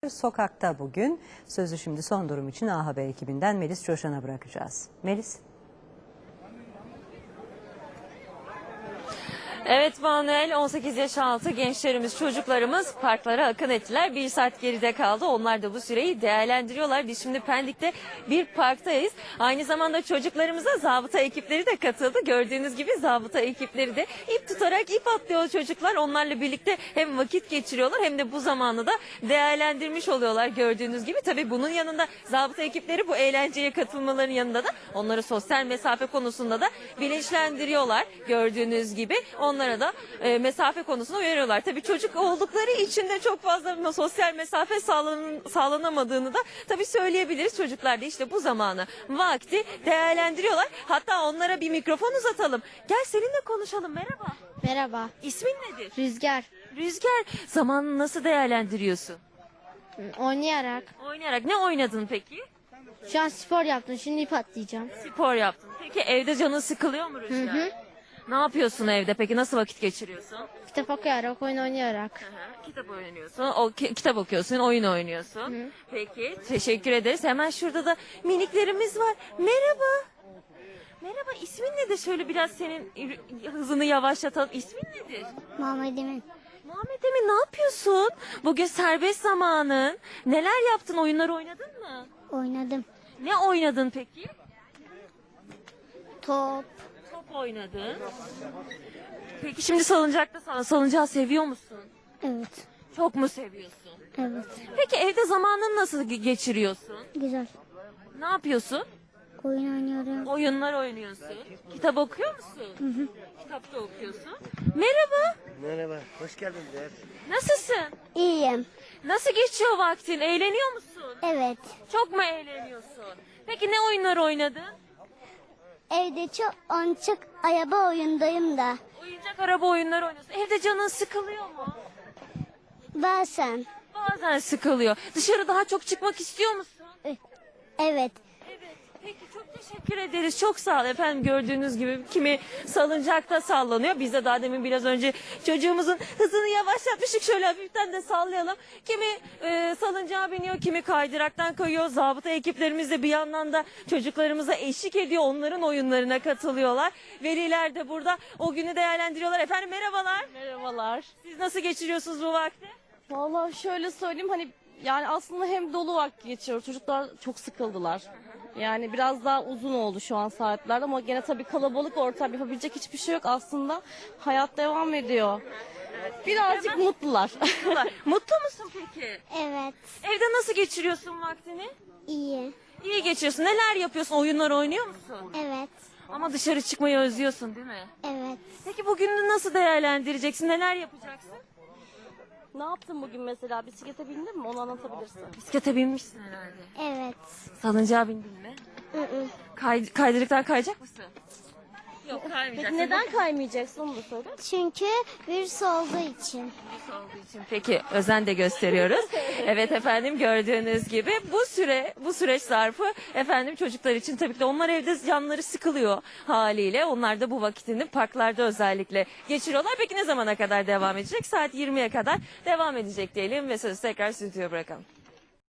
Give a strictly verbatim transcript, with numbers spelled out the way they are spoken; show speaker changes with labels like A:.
A: Sokakta bugün sözü şimdi son durum için A Haber ekibinden Melis Coşan'a bırakacağız. Melis.
B: Evet Manuel, on sekiz yaş altı gençlerimiz, çocuklarımız parklara akın ettiler. Bir saat geride kaldı. Onlar da bu süreyi değerlendiriyorlar. Biz şimdi Pendik'te bir parktayız. Aynı zamanda çocuklarımıza zabıta ekipleri de katıldı. Gördüğünüz gibi zabıta ekipleri de ip tutarak ip atlıyor çocuklar. Onlarla birlikte hem vakit geçiriyorlar hem de bu zamanı da değerlendirmiş oluyorlar gördüğünüz gibi. Tabii bunun yanında zabıta ekipleri bu eğlenceye katılmaların yanında da onları sosyal mesafe konusunda da bilinçlendiriyorlar gördüğünüz gibi. Onlara da e, mesafe konusunda uyarıyorlar. Tabii çocuk oldukları için de çok fazla sosyal mesafe sağlan, sağlanamadığını da tabii söyleyebiliriz. Çocuklar da işte bu zamanı, vakti değerlendiriyorlar. Hatta onlara bir mikrofon uzatalım. Gel seninle konuşalım. Merhaba.
C: Merhaba.
B: İsmin nedir?
C: Rüzgar.
B: Rüzgar. Zamanını nasıl değerlendiriyorsun?
C: Oynayarak.
B: Oynayarak. Ne oynadın peki?
C: Şu an spor yaptım. Şimdi ip atlayacağım.
B: Spor yaptın. Peki evde canın sıkılıyor mu Rüzgar?
C: Hı hı.
B: Ne yapıyorsun evde peki? Nasıl vakit geçiriyorsun?
C: Kitap okuyarak, oyun oynayarak.
B: Hı hı, kitap oynuyorsun, o ki- kitap okuyorsun, oyun oynuyorsun.
C: Hı.
B: Peki, teşekkür ederiz. Hemen şurada da miniklerimiz var. Merhaba. Merhaba, ismin nedir? Şöyle biraz senin yürü- hızını yavaşlatalım. İsmin nedir?
C: Muhammed Emin.
B: Muhammed Emin, ne yapıyorsun? Bugün serbest zamanın. Neler yaptın? Oyunlar oynadın mı?
C: Oynadım.
B: Ne oynadın peki?
C: Top.
B: Top oynadın. Peki şimdi salıncakta sana salıncağı seviyor musun?
C: Evet.
B: Çok mu seviyorsun?
C: Evet.
B: Peki evde zamanını nasıl ge- geçiriyorsun?
C: Güzel.
B: Ne yapıyorsun?
C: Oyun oynuyorum.
B: Oyunlar oynuyorsun. Kitap okuyor musun? Kitap da okuyorsun. Merhaba.
D: Merhaba, hoş geldinler.
B: Nasılsın?
C: İyiyim.
B: Nasıl geçiyor vaktin? Eğleniyor musun?
C: Evet.
B: Çok mu eğleniyorsun? Peki ne oyunlar oynadın?
C: Evde çok oyuncak araba oyundayım da.
B: Oyuncak araba oyunları oynuyorsun. Evde canın sıkılıyor mu?
C: Bazen.
B: Bazen sıkılıyor. Dışarı daha çok çıkmak istiyor musun?
C: Evet.
B: Evet. Peki çok teşekkür ederiz. Çok sağ ol efendim. Gördüğünüz gibi kimi salıncakta sallanıyor. Biz de daha demin biraz önce çocuğumuzun hızını yavaşlatmıştık. Şöyle hafiften de sallayalım. Kimi e, salıncağa biniyor, kimi kaydıraktan kayıyor. Zabıta ekiplerimiz de bir yandan da çocuklarımıza eşlik ediyor. Onların oyunlarına katılıyorlar. Veliler de burada o günü değerlendiriyorlar. Efendim merhabalar.
E: Merhabalar.
B: Siz nasıl geçiriyorsunuz bu vakti?
E: Vallahi şöyle söyleyeyim hani yani aslında hem dolu vakit geçiyor. Çocuklar çok sıkıldılar. Yani biraz daha uzun oldu şu an saatler ama gene tabii kalabalık ortam yapabilecek hiçbir şey yok aslında. Hayat devam ediyor. Birazcık mutlular.
B: Mutlu musun peki?
C: Evet.
B: Evde nasıl geçiriyorsun vaktini?
C: İyi.
B: İyi geçiyorsun. Neler yapıyorsun? Oyunlar oynuyor musun?
C: Evet.
B: Ama dışarı çıkmayı özlüyorsun değil mi?
C: Evet.
B: Peki bugününü nasıl değerlendireceksin? Neler yapacaksın?
E: Ne yaptın bugün mesela? Bisiklete bindin mi? Onu anlatabilirsin.
B: Bisiklete binmişsin herhalde.
C: Evet.
B: Salıncağa bindin mi?
C: Hı hı.
B: Kay kaydırıktan kayacak mısın? Yok kaymayacaksın.
E: Peki neden kaymayacaksın onu da söyle.
C: Çünkü virüs olduğu için.
B: olduğu için peki özen de gösteriyoruz. Evet efendim gördüğünüz gibi bu süre bu süreç zarfı efendim çocuklar için tabii ki de onlar evde canları sıkılıyor haliyle. Onlar da bu vakitini parklarda özellikle geçiriyorlar. Peki ne zamana kadar devam edecek? Saat yirmiye kadar devam edecek diyelim ve sözü tekrar stüdyoya bırakalım.